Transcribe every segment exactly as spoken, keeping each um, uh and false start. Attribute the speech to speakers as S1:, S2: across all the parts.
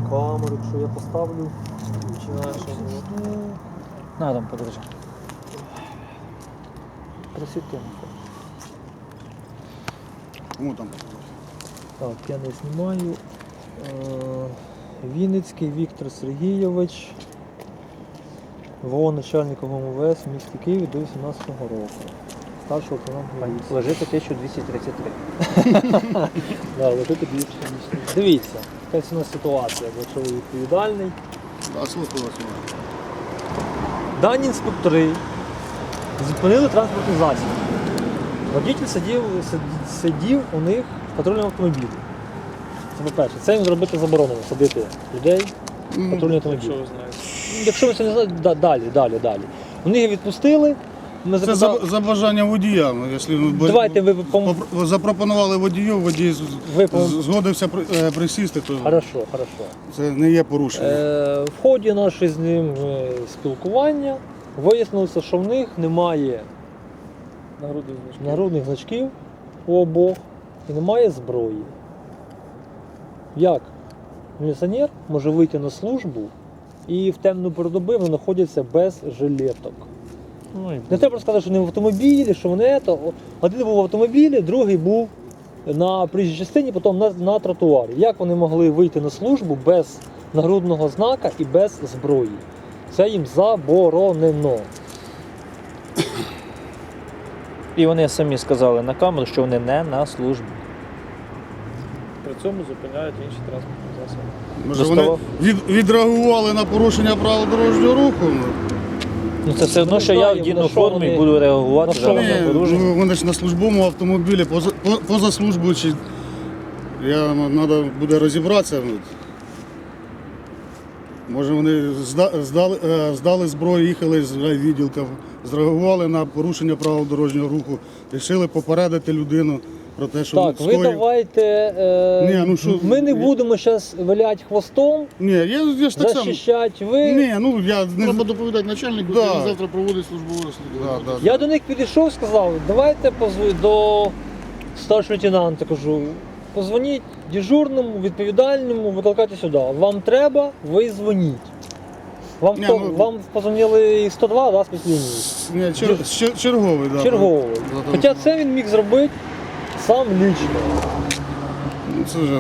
S1: камеру, якщо я поставлю.
S2: На, там, подержи.
S1: Просвіти.
S3: Кому там?
S1: Так, я не знімаю. Е, Вінницький Віктор Сергійович, ВО начальником МВС в місті Києві до вісімнадцятого року. Старший лейтенант міліції.
S2: Лежить тисяча двісті тридцять три.
S1: Да, лежить більше, ніж. Дивіться, якась у нас ситуація, якщо ви відповідальний.
S3: А слухаю вас.
S1: Дані інспектори зупинили транспортний засіб. Водитель сидів, сид- сидів у них в патрульному автомобілі. Це по-перше. Це їм зробити заборонено, садити людей в патрульний автомобіль.
S4: Що ви знаєте?
S1: Якщо ви це не знаєте, да- далі, далі, далі. Вони їх відпустили. Ми
S3: Це
S1: запитали-
S3: за, за бажання водія. Якщо ви-
S1: Давайте ви пом-
S3: попро- запропонували водію, водій з-
S1: Ви
S3: з-
S1: пом-
S3: згодився при- е, присісти, то
S1: Хорошо, хорошо.
S3: це не є порушення.
S1: Е, в ході нашого з ним е, спілкування вияснилося, що в них немає
S4: Нагрудний значок.
S1: нагрудних значків у обох і немає зброї. Як міліціонер може вийти на службу і в темну пору доби вони знаходяться без жилеток?
S2: Ну, і
S1: Не треба розказати, що вони в автомобілі, що вони то. Один був в автомобілі, другий був на проїжджій частині, потім на, на тротуарі. Як вони могли вийти на службу без нагрудного знака і без зброї? Це їм заборонено.
S2: І вони самі сказали на камеру, що вони не на службі.
S4: При цьому зупиняють інші транспортні засоби.
S3: Може, вони
S2: доставав.
S3: від, відреагували на порушення правил дорожнього руху?
S2: Ну це все одно,
S1: Ми
S2: що я
S1: знаємо,
S2: вдіну
S1: на що
S2: форму і
S1: вони-
S2: буду реагувати
S1: на що
S2: за
S1: вони-
S2: на
S3: Ні,
S2: порушення.
S3: ну, вони ж на службовому автомобілі, поза, по- позаслужбуючи. Я треба буде розібратися. Може вони зда- здали, е, здали зброю, їхали з відділка, зреагували на порушення правил дорожнього руху, вирішили попередити людину про те, що
S1: Так, ви
S3: скоїв.
S1: давайте. Е,
S3: Ні, ну що-
S1: ми не будемо зараз виляти хвостом,
S3: Ні, я, я ж так само.
S1: захищати. Ви...
S3: Ні, ну я не
S5: Треба доповідати начальнику,
S3: Да.
S5: який завтра проводить службове розслідування.
S3: Да, да.
S1: Я до них підійшов, сказав, давайте позв... до старшого лейтенанта, кажу, позвоніть дежурному, відповідальному, викликайте сюди. Вам треба, ви дзвоніть. Вам,
S3: Ні,
S1: хто?
S3: ну-
S1: Вам позвонили сто два, да, спецлінії?
S3: Ні, чер, чер- черговий, да.
S1: Черговий.
S3: Да,
S1: Хоча це він міг зробити сам лічно.
S3: Ну, Це вже.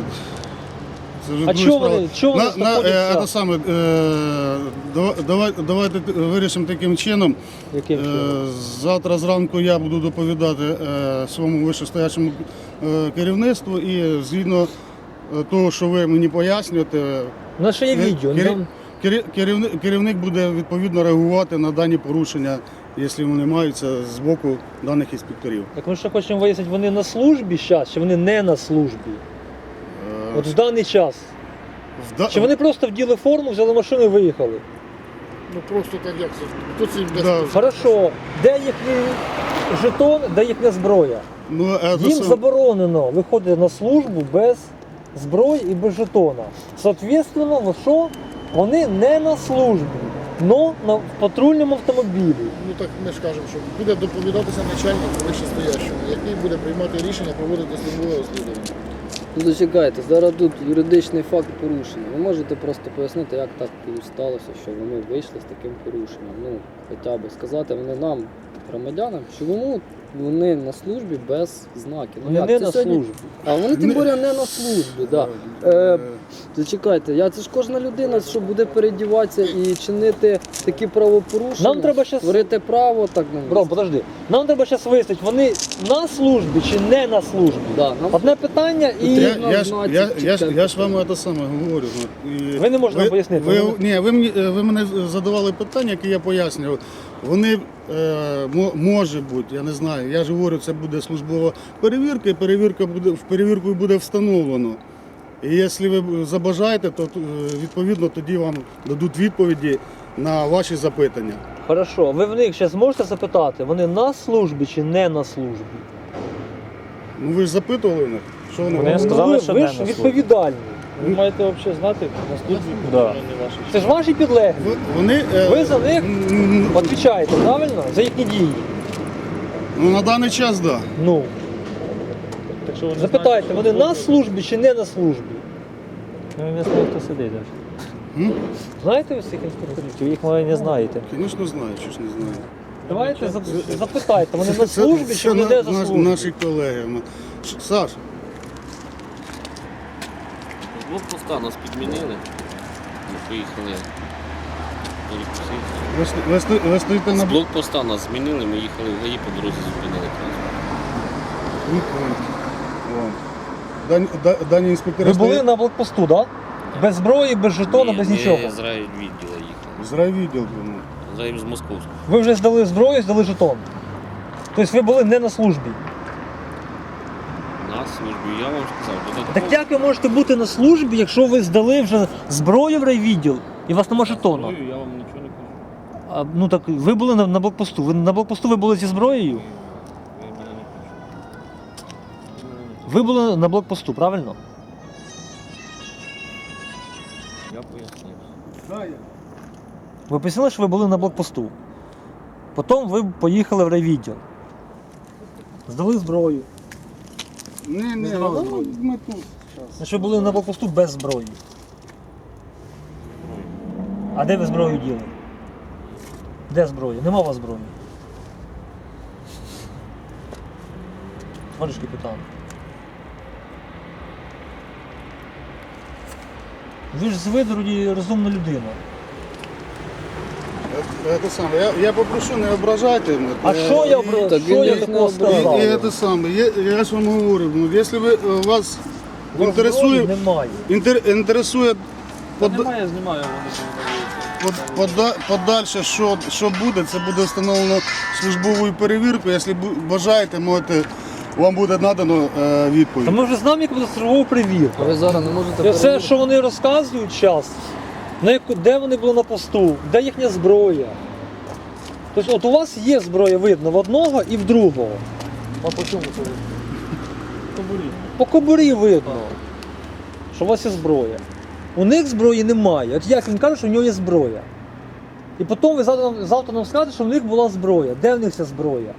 S3: Це вже
S1: А
S3: друга
S1: чого
S3: справа.
S1: вони- чого вони
S3: на, на,
S1: знаходяться?
S3: е, це саме, е, давай, давай, давайте т- вирішимо таким чином.
S1: Яким
S3: Е,
S1: чином?
S3: завтра зранку я буду доповідати е, своєму вищестоячому е, керівництву і згідно е, того, що ви мені пояснюєте,
S1: У нас ще є
S3: кер-
S1: відео.
S3: кер-
S1: нам-
S3: кер- керівник, керівник буде відповідно реагувати на дані порушення, якщо вони маються з боку даних інспекторів.
S1: Так ми ще хочемо вияснити, вони на службі зараз, чи вони не на службі?
S3: Е,
S1: От в даний час.
S3: в да-
S1: Чи вони просто вділи форму, взяли машину і виїхали?
S5: Ну просто так як це. Хто це їм дасть?
S3: Да.
S1: Хорошо, де їхній жетон, де їхня зброя?
S3: Ну, е, це
S1: Їм
S3: сам-
S1: заборонено виходити на службу без зброї і без жетона. Соответственно, ну що? Вони не на службі, но на в патрульному автомобілі.
S5: Ну так ми ж кажемо, що буде доповідатися начальник вищестоящому, який буде приймати рішення проводити службове розслідування.
S6: Ну, зачекайте, зараз тут юридичний факт порушення. Ви можете просто пояснити, як так сталося, що вони вийшли з таким порушенням. Ну, хоча б сказати вони нам, громадянам, чому вони на службі без знаків.
S1: Вони
S6: як?
S1: не
S6: Це
S1: на
S6: сьогодні-
S1: службі.
S6: А вони тим
S3: Не-
S6: більше не на службі. Да. Е, зачекайте, я, це ж кожна людина, що буде передіватися і чинити такі правопорушення.
S1: Нам треба щас-
S6: Творити право, так не
S1: Бро, подожди. Нам треба зараз вияснити, вони на службі чи не на службі.
S6: Да, нам
S1: Одне питання і.
S3: Я,
S6: Потрібно
S3: я, ж-
S6: знати,
S3: я,
S6: чи
S3: я, ж-
S6: це-
S3: я ж вам це саме говорю. ну, і
S1: Ви не можете нам пояснити,
S3: Ви,
S1: ви-
S3: ні, ви, мені, ви мене задавали питання, які я пояснював. Вони е, мо- може бути, я не знаю. Я ж говорю, це буде службова перевірка, і перевірка буде в перевірку буде встановлено. І якщо ви забажаєте, то е, відповідно тоді вам дадуть відповіді на ваші запитання.
S1: Хорошо, ви в них зараз можете запитати, вони на службі чи не на службі?
S3: Ну ви ж запитували в них, що вони
S2: Вони
S3: вам
S2: сказали,
S1: ви,
S2: що
S1: ви
S2: не
S1: ж
S2: на службі.
S1: відповідальні.
S4: Ви маєте взагалі знати на службі
S2: Да.
S4: не ваші.
S1: Це ж ваші підлеглі.
S3: Ви- Вони, е,
S1: Ви за них
S3: м,
S1: відповідаєте, правильно? За їхні дії.
S3: ну, на даний час, так. Да.
S1: Ну,
S4: Так що ви не
S1: запитайте,
S4: знаєте,
S1: вони
S4: що
S1: на
S4: зроблять?
S1: службі чи не на службі?
S2: Ну, ви не знаєте, хто сидить навіть.
S3: М?
S1: Знаєте ви всіх інспекторів?
S2: Чи ви їх може не знаєте?
S3: Звісно, знаю, що ж не знаю.
S1: Давайте зап- запитайте, вони на
S3: Це-
S1: службі
S3: це
S1: чи
S3: на-
S1: ніде за
S3: наш-
S1: службою?
S3: Наші колеги. Ми- Ш- Саш,
S7: З блокпоста нас підмінили. Ми поїхали. перекусити.
S3: ви, сто- ви, сто- ви стоїте
S7: З
S3: на
S7: блокпоста нас змінили, ми їхали в ГАІ, по дорозі зупинили транспорт.
S3: Дані, да- дані інспектори
S1: Ви були
S3: стоять
S1: на блокпосту, так? Да? Без зброї, без жетона, без
S7: Ні,
S1: нічого.
S7: Ми з райвідділу їхали.
S3: з райвідділку. Ну.
S7: З рай- з Московського.
S1: Ви вже здали зброю, здали жетон. Тобто ви були не на службі.
S7: На службі, я вам сказав, додатково.
S1: Так як ви можете бути на службі, якщо ви здали вже зброю в райвідділ і у вас нема жетону?
S7: Зброю Я вам нічого не кажу.
S1: А, ну так ви були на, на блокпосту. Ви на блокпосту ви були зі зброєю?
S7: Ви мене не почули. Ви мене не
S1: Ви були на блокпосту, правильно?
S7: почули. Я пояснив.
S3: Да, я.
S1: Ви пояснили, що ви були на блокпосту. Потім ви поїхали в райвідділ. Здали зброю.
S3: Ні, ні,
S1: Не
S3: ну,
S1: здавали?
S3: ми тут.
S1: Значить, ви були на блокпосту без зброї. А де ви зброю діли? Де зброя? Нема у вас зброї. Товариш капітан. Ви ж з виду розумна людина.
S3: Е, Це саме. Я, я попрошу, не ображайте мене.
S1: А
S3: Е,
S1: що я
S3: і-
S1: обра-
S6: Так
S1: що
S6: він
S1: я
S6: їх не
S1: такого
S6: ображав.
S1: сказав?
S3: І, і це саме. Я, я ж вам говорю, ну, якщо ви, е, вас
S1: У вас
S3: інтересує,
S1: зброї немає.
S3: інтер, інтересує
S4: Та
S3: под,
S4: немає, знімаю, вони
S3: под, пода, подальше, що, що буде, це буде встановлено службовою перевіркою. Якщо бу- бажаєте, можете, вам буде надано е, відповідь.
S1: Та ми вже знаємо, яка буде службова
S6: А
S1: перевірка.
S6: ви зараз не можете
S1: Це все,
S6: перевірити?
S1: що вони розказують зараз, на яку, де вони були на посту, де їхня зброя. Тобто от у вас є зброя, видно, в одного і в другого.
S4: А по чому це? Кобурі.
S1: По кобурі видно, що у вас є зброя. У них зброї немає. От як він каже, що в нього є зброя. І потім ви завтра, завтра нам скажете, що в них була зброя. Де в них ця зброя?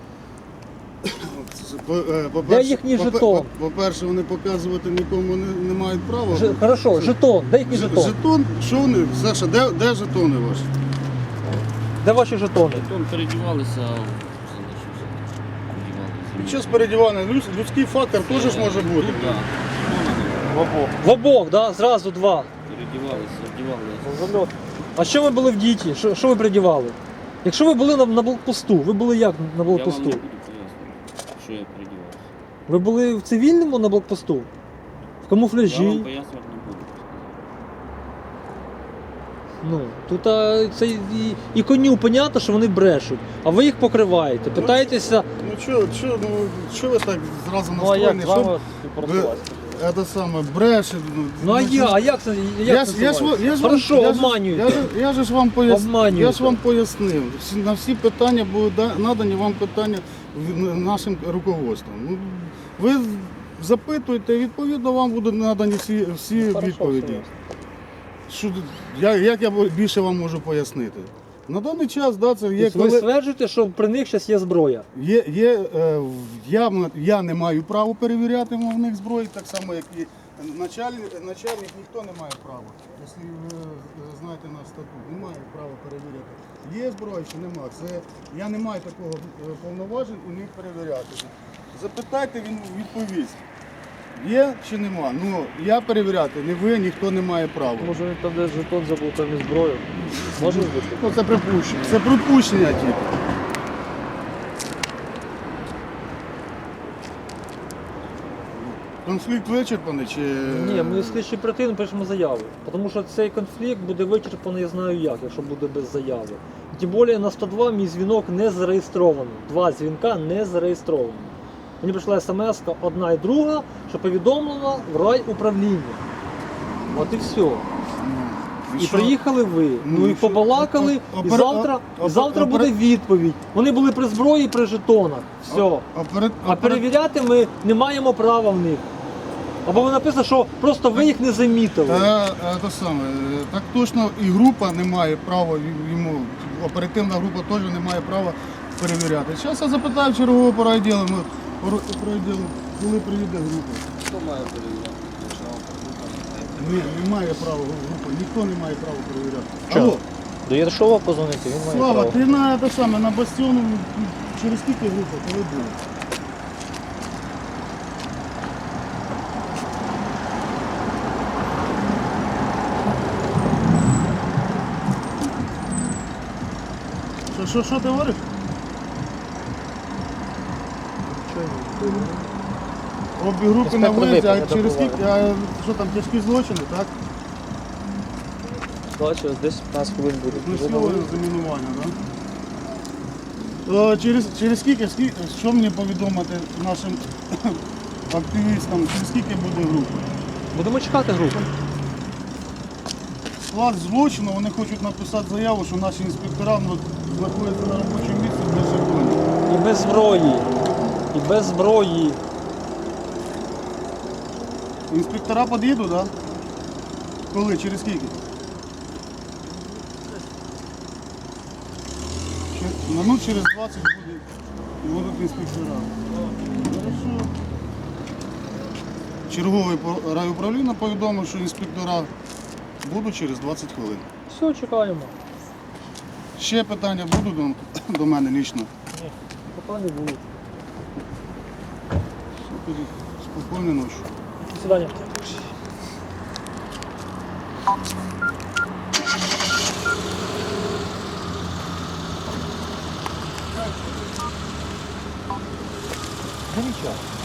S3: По- е, по-перше-
S1: Де їхній
S3: по-
S1: жетон?
S3: по- По-перше, вони показувати нікому не, не мають права.
S1: Ж, хорошо, жетон, де їхній
S3: Ж-
S1: жетон?
S3: Жетон? Що вони? Саша, де, де жетони ваші?
S1: Де ваші жетони?
S7: Потім передівалися, залишився. Передівалися.
S3: Під час передівання люд- людський фактор теж ж може бути.
S7: Ну, так.
S1: В обох, да? Зразу два.
S7: Передівалися, вдівалися.
S1: Зальот. А що ви були в діті? Що, що ви придівали? Якщо ви були на, на блокпосту, ви були як на
S7: Я вам
S1: блокпосту?
S7: не буду пояснювати, що я передівався.
S1: Ви були в цивільному на блокпосту? В
S7: Я вам
S1: камуфляжі?
S7: пояснювати не буду.
S1: Ну, тут а, це і, і коню понятно, що вони брешуть, а ви їх покриваєте. Питаєтеся,
S3: Ну що, що, ну, що ви так зразу
S4: Ну а як
S3: настроєні?
S4: з вами
S3: Що
S4: співпрацювати?
S3: це саме бреше?
S1: ну а я, а як це? Як
S3: Я,
S1: це
S3: ж- я, ж,
S1: називається?
S3: я ж вам-
S1: Хорошо,
S3: я ж-
S1: обманюєте.
S3: Я, ж- я ж вам пояснив.
S1: Обманюєте.
S3: Я ж вам пояснив. Всі- На всі питання будуть да- надані вам питання в- нашим руководством. Ну, ви запитуєте, відповідно вам будуть надані всі, всі
S1: Хорошо,
S3: відповіді.
S1: все
S3: Що, я, як я більше вам можу пояснити? На даний час, да, це є
S1: Тобто ви
S3: коли.
S1: стверджуєте, що при них зараз є зброя.
S3: Є, є, е, в- я, м- я не маю права перевіряти в них зброї, так само, як і начальник, начальник ніхто не має права. Якщо ви е, знаєте наш статут, не має права перевіряти. Є зброя чи немає. Це, я не маю такого е, повноважень у них перевіряти. Запитайте, він відповість. Є чи нема? Ну, я перевіряти, не ви, ніхто не має права.
S4: Може він там десь жетон забув, там і зброю. Може бути?
S3: Ну, це припущення. Це припущення тільки. Конфлікт вичерпаний чи.
S1: Ні, ми слідчі оперативно пишемо заяви. Тому що цей конфлікт буде вичерпаний, я знаю як, якщо буде без заяви. Тим більше на сто два мій дзвінок не зареєстрований. Два дзвінка не зареєстровані. Мені прийшла смс одна і друга, що повідомлено в райуправління. От і все.
S3: Ну,
S1: І
S3: що?
S1: приїхали ви.
S3: Ну,
S1: Ну і
S3: і що?
S1: побалакали,
S3: Опера-
S1: і завтра,
S3: опера-
S1: і завтра
S3: опера-
S1: буде відповідь. Вони були при зброї, при жетонах. Все.
S3: Операт-
S1: А
S3: операт-
S1: перевіряти ми не маємо права в них. Або ви написано, що просто ви їх не замітили.
S3: Та, е, те саме, е, так точно і група не має права й- йому, оперативна група теж не має права перевіряти. Зараз я запитаю чергового по райділу, ми по райділу, коли приїде група.
S7: Хто має перевіряти? Якщо вам
S3: Ні, немає права групи, ніхто не має права перевіряти.
S2: Чого?
S3: Алло,
S2: До Єршова позвонити, він має
S3: Слава,
S2: право.
S3: ти на те саме, на бастіону через скільки група, коли було? Що, що, що ти говориш? Обі групи на
S2: Інспектор
S3: виїзді, а
S2: виправ, не
S3: через
S2: добуває.
S3: скільки, а що там, тяжкі злочини, так?
S2: Бачу, десь п'ятнадцять хвилин буде.
S3: Знасилування, замінування, так? То через, через скільки, скільки, що мені повідомити нашим активістам, через скільки буде група?
S1: Будемо чекати групу.
S3: Склад злочину, вони хочуть написати заяву, що наші інспектора ну, знаходяться на робочому місці без законів.
S1: І без зброї. І без зброї.
S3: Інспектора під'їдуть, так? Да? Коли? Через скільки? Чер- Минут через двадцять буде, будуть інспектора. Хорошо. Черговий по- райуправління повідомив, що інспектора будуть через двадцять хвилин.
S1: Все, чекаємо.
S3: Ще питання будуть до, до мене лічно?
S1: Поки не було.
S3: Супер. Спокійної ночі.
S1: До свидання. Да нічого.